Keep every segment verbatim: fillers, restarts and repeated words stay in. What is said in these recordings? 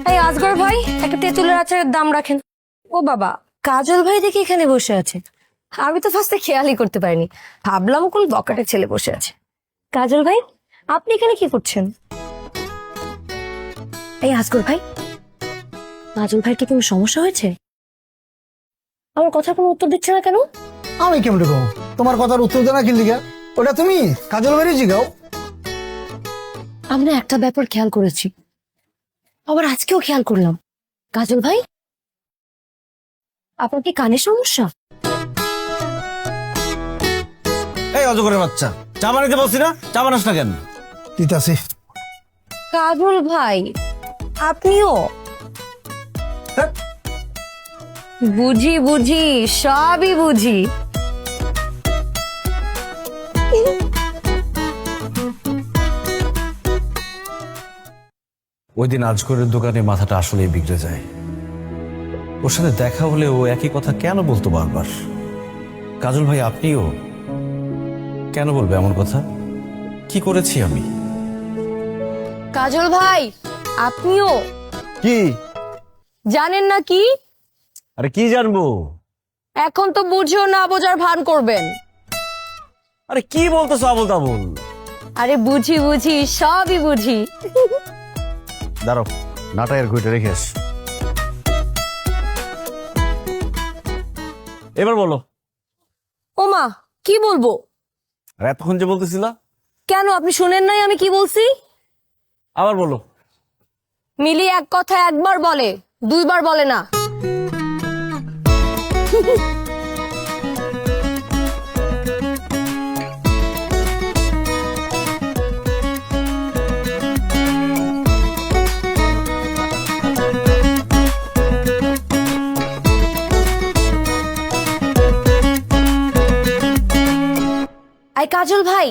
এই আজগর ভাই, একটা তেঁতুলের আচারের দাম রাখেন। ও বাবা, কাজল ভাই দেখি এখানে বসে আছে। আমি তো ফার্স্টে খেয়ালই করতে পারিনি, ভাবলাম কোন বকাটের ছেলে বসে আছে। কাজল ভাই, আপনি এখানে কি করছেন? এই আজগর ভাই, কাজল ভাইয়ের কি কোনো সমস্যা হয়েছে? আমার কথার কোনো উত্তর দিচ্ছে না কেন? আমি কেমন কম তোমার কথার উত্তর দেনা কি লিগা? ওটা তুমি কাজল বাড়ি জিগাও। আমরা একটা ব্যাপার খেয়াল করেছি, আবার আজকেও খেয়াল করলাম। কাজল ভাই, আপনার কি কানের সমস্যা? এই অজগরের বাচ্চা, চা বানাইতে বলছি না, চা বানাস না কেন? দিতাছি। কাজল ভাই, আপনিও? হ্যাঁ। বুঝি বুঝি, সবই বুঝি। ওই দিন আজগরের দোকানে মাথাটা আসলেই বিগড়ে যায়। ওর সাথে দেখা হলে ও একই কথা কেন বলতো বারবার? কাজল ভাই, আপনিও কেন বলবে এমন কথা? কি করেছি আমি? কাজল ভাই, আপনিও কি জানেন না কি? আরে কি জানবো? এখন তো বুঝেও না বোঝার ভান করবেন। আরে কি বলতেছো আবল তাবল? আরে বুঝি বুঝি, সবই বুঝি। দাঁড়াও, নাটায়ের ঘুইটা রেখে আস। এবার বলো। ওমা, কি বলবো? আর এতক্ষণ যে বলতেছিলা, কেন আপনি শুনেন নাই আমি কি বলছি? আবার বলো। মিলি এক কথা একবার বলে, দুইবার বলে না। আই কাজল ভাই,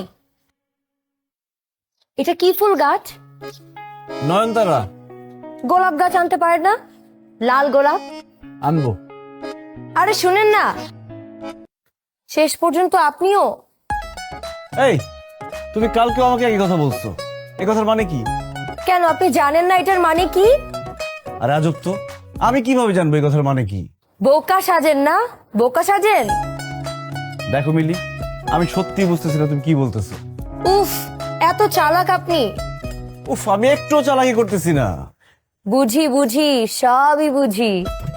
এটা কি ফুল গাছ? নয়নতারা। গোলাপ গাছ আনতে পারে না? লাল গোলাপ আনবো। আরে শুনেন না, শেষ পর্যন্ত আপনিও। এই, তুমি কালকেও আমাকে এই কথা বলছো, এই কথার মানে কি? কেন আপনি জানেন না এটার মানে কি? আর আজব তো, আমি কিভাবে জানবো এই কথার মানে কি? বোকা সাজেন না, বোকা সাজেন। দেখো মিলি, আমি সত্যি বুঝতেছি না তুমি কি বলতেছো। উফ, এত চালাক আপনি। উফ, আমি একটু চালাকি করতেছি না। বুঝি বুঝি, সবই বুঝি।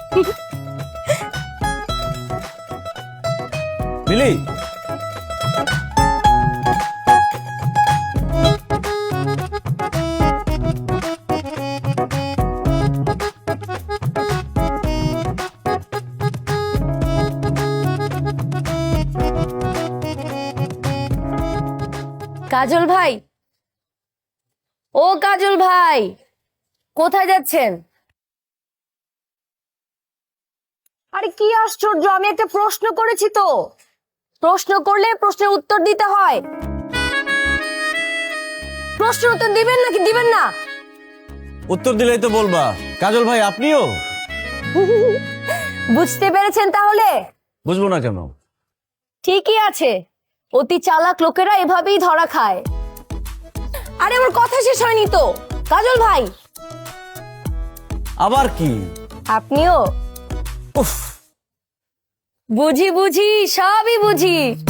মিলি, কাজল ভাই, ও কাজল ভাই, কোথায় যাচ্ছেন? আরে কি আশ্চর্য, আমি একটা প্রশ্ন করেছি তো। প্রশ্ন করলে প্রশ্নের উত্তর দিতে হয়। প্রশ্নের উত্তর দিবেন নাকি দিবেন না? উত্তর দিলেই তো বলবা। কাজল ভাই, আপনিও? বুঝতে পেরেছেন তাহলে? বুঝবো না কেন? ঠিকই আছে, অতি চালাক লোকেরা এভাবেই ধরা খায়। আরে আমার কথা শেষ হয়নি তো। কাজল ভাই, আবার কি? আপনিও? উফ, বুঝি বুঝি, সবই বুঝি।